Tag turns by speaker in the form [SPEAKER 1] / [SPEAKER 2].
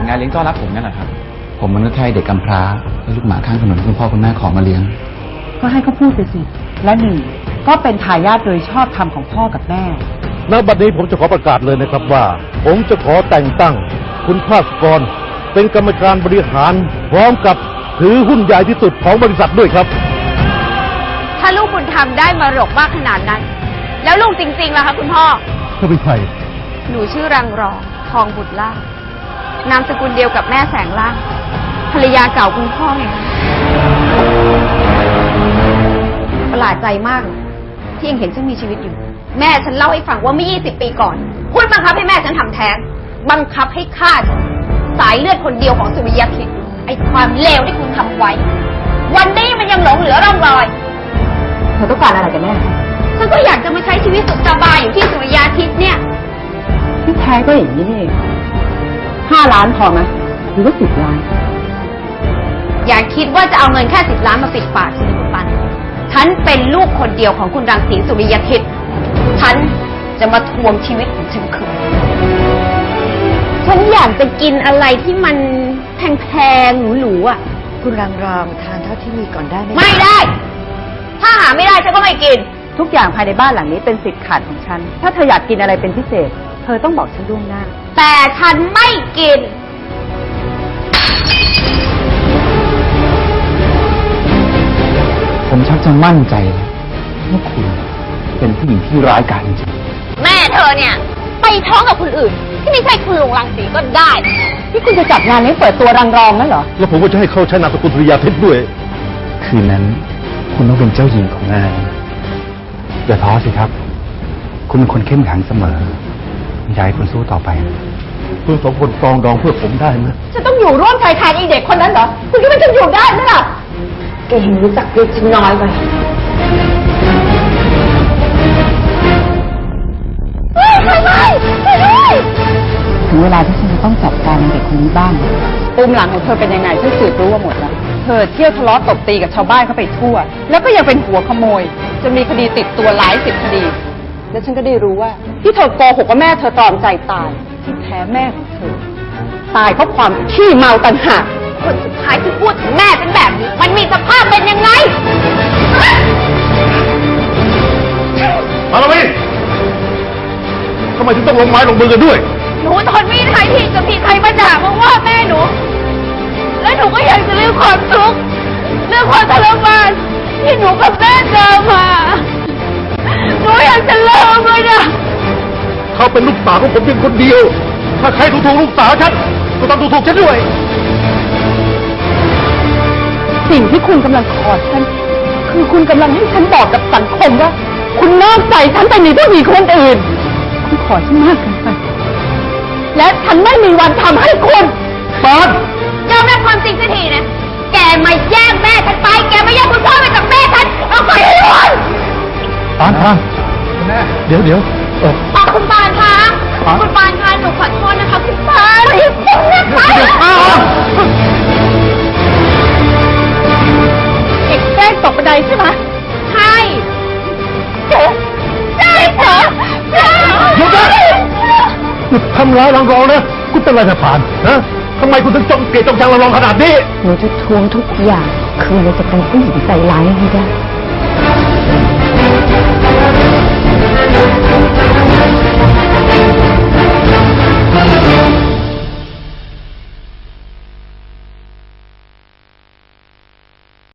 [SPEAKER 1] ดงานเลี้ยงต้อนรับผมนั่นแหละครับผมมนุษย์ไทยเด็กกำพร้าและลูกหมาข้างถนนที่คุณพ่อคุณแม่ขอมาเลี้ยง
[SPEAKER 2] ก็ให้เขาพูดไปสิและหนึ่งก็เป็นทายาทโดยชอบธรรมของพ่อกับแม่
[SPEAKER 3] ณ บัดนี้ผมจะขอประกาศเลยนะครับว่าผมจะขอแต่งตั้งคุณภาสกรเป็นกรรมการบริหารพร้อมกับถือหุ้นใหญ่ที่สุดของบริษัทด้วยครับ
[SPEAKER 4] ถ้าลูกบุญธรรมได้มรดกมากขนาดนั้นแล้วลูกจริงๆล่ะคะคุณพ่อ
[SPEAKER 3] เขาเป็นใคร
[SPEAKER 4] หนูชื่อรังรองทองบุตรล่านามสกุลเดียวกับแม่แสงล่างภรรยาเก่าคุณพ่อไงประหลาดใจมากที่ยังเห็นฉันมีชีวิตอยู่แม่ฉันเล่าให้ฟังว่าเมื่อ20 ปีก่อนคุณบังคับให้แม่ฉันทำแท้งบังคับให้ฆ่าฉันสายเลือดคนเดียวของสุริยคิดไอ้ความเลวที่คุณทำไว้วันนี้มันยังหลงเหลือร่องรอย
[SPEAKER 2] เธอต้องการอะไรกันแน่
[SPEAKER 4] ฉันก็อยากจะมาใช้ชีวิตสุขสบายอยู่ที่สุริยคิดเนี่ย
[SPEAKER 2] ที่แท้ก็อย่างนี้นี่5 ล้านพอไหมหรือว่า10 ล้าน
[SPEAKER 4] อย่าคิดว่าจะเอาเงินแค่10 ล้านมาปิดปากฉันคุณปันฉันเป็นลูกคนเดียวของคุณรังสีสุริยคิดฉันจะมาทวงชีวิตของฉันคืนฉันอยากจะกินอะไรที่มันแพงๆหรูๆอ่ะ
[SPEAKER 2] คุณรังรองทานเท่าที่มีก่อนได้ไหม
[SPEAKER 4] ไม่ได้ถ้าหาไม่ได้ฉันก็ไม่กิน
[SPEAKER 2] ทุกอย่างภายในบ้านหลังนี้เป็นสิทธิ์ขาดของฉันถ้าเธออยากกินอะไรเป็นพิเศษเธอต้องบอกฉันล่วงหน้า
[SPEAKER 4] แต่ฉันไม่กิน
[SPEAKER 1] ผมชักจะมั่นใจแล้วว่าคุณเป็นผู้หญิงที่ร้ายกาจจริง
[SPEAKER 4] แม่เธอเนี่ยไปท้องกับคนอื่นที่ไม่ใช่คุณลุงรังสีก็ได้
[SPEAKER 2] ที่คุณจะจัดงานนี้เปิดตัวรังรองนั่นเหรอ
[SPEAKER 3] แล้วผมก็จะให้เขาใช้นามสกุลสุริยาเพชรด้วย
[SPEAKER 1] คืนนั้นคุณต้องเป็นเจ้าหญิงของงานอย่าท้อสิครับคุณเป็นคนเข้มแข็งเสมออยากให้คุณสู้ต่อไป
[SPEAKER 3] คุณ2 คนปรองดองเพื่อผมได้ไหม
[SPEAKER 2] ฉันต้องอยู่ร่วมชายคาไอ้เด็กคนนั้นเหรอคุณคิดว่าฉันอยู่ได้ไหมล่ะแกเห็นรู้จักเรียกฉันน้อยไปถึงเวลาที่ฉันจะต้องจัดการเด็กคนนี้บ้างปุ่มหลังของเธอเป็นยังไงฉันสืบรู้ว่าหมดแล้วเธอเที่ยวทะเลาะตบตีกับชาวบ้านเข้าไปทั่วแล้วก็ยังเป็นหัวขโมยจนมีคดีติดตัวหลาย10 คดีและฉันก็ได้รู้ว่าที่เธอโกหกว่าแม่เธอตรอมใจตายที่แท้แม่ของเธอตายเพราะความขี้เมาต่างหาก
[SPEAKER 4] คนสุดท้ายที่พูดถึงแม่เป็นแบบนี้มันมีสภาพเป็นยังไง
[SPEAKER 3] มาแล้วพี่ทำไมถึงต้องลงไม้ลงมือกันด้วย
[SPEAKER 4] หนูทนไม่ได้ที่จะมีใครมาด่ามาว่าแม่หนูและหนูก็อยากจะเรื่องความทุกข์เรื่องความทรมานที่หนูกับแม่เจอมาหนูอยากจะเลิกเลยนะ
[SPEAKER 3] เขาเป็นลูกสาวของผมเพียงคนเดียวถ้าใครถูกลูกสาวฉันก็ต้องถูกฉันด้วย
[SPEAKER 2] สิ่งที่คุณกำลังขอฉันคือคุณกำลังให้ฉันบอกกับสังคมว่าคุณนอกใจฉันไปมีผู้หญิงคนอื่นคุณขอฉันมากเกินไปและฉันไม่มีวันทำให้คุณ
[SPEAKER 3] ปาน
[SPEAKER 4] ยอมรับความจริงสักทีนะแกมาแย่งแม่ฉันไปแกมาแย่งคุณพ่อไปกับแม่ฉันเอาไปให้หมด
[SPEAKER 3] ปานคุณแม่เดี๋ยว
[SPEAKER 4] คุณปานคะคุณปานคะหนูขอโทษนะคะคุณปาน
[SPEAKER 2] เด็กแกล้งตกบันไดใช่ไหม
[SPEAKER 4] ใช่ใช่เหรอ
[SPEAKER 3] หยุดนะหยุดทำร้ายรังรองนะคุณเป็นอะไรนะปานนะทำไมคุณถึงจ้องเกลียดจ้องชังรังรองขนาดนี้
[SPEAKER 2] หนูจะทวงทุกอย่างคืนเราจะเป็นผู้หญิงใจร้ายให้ได้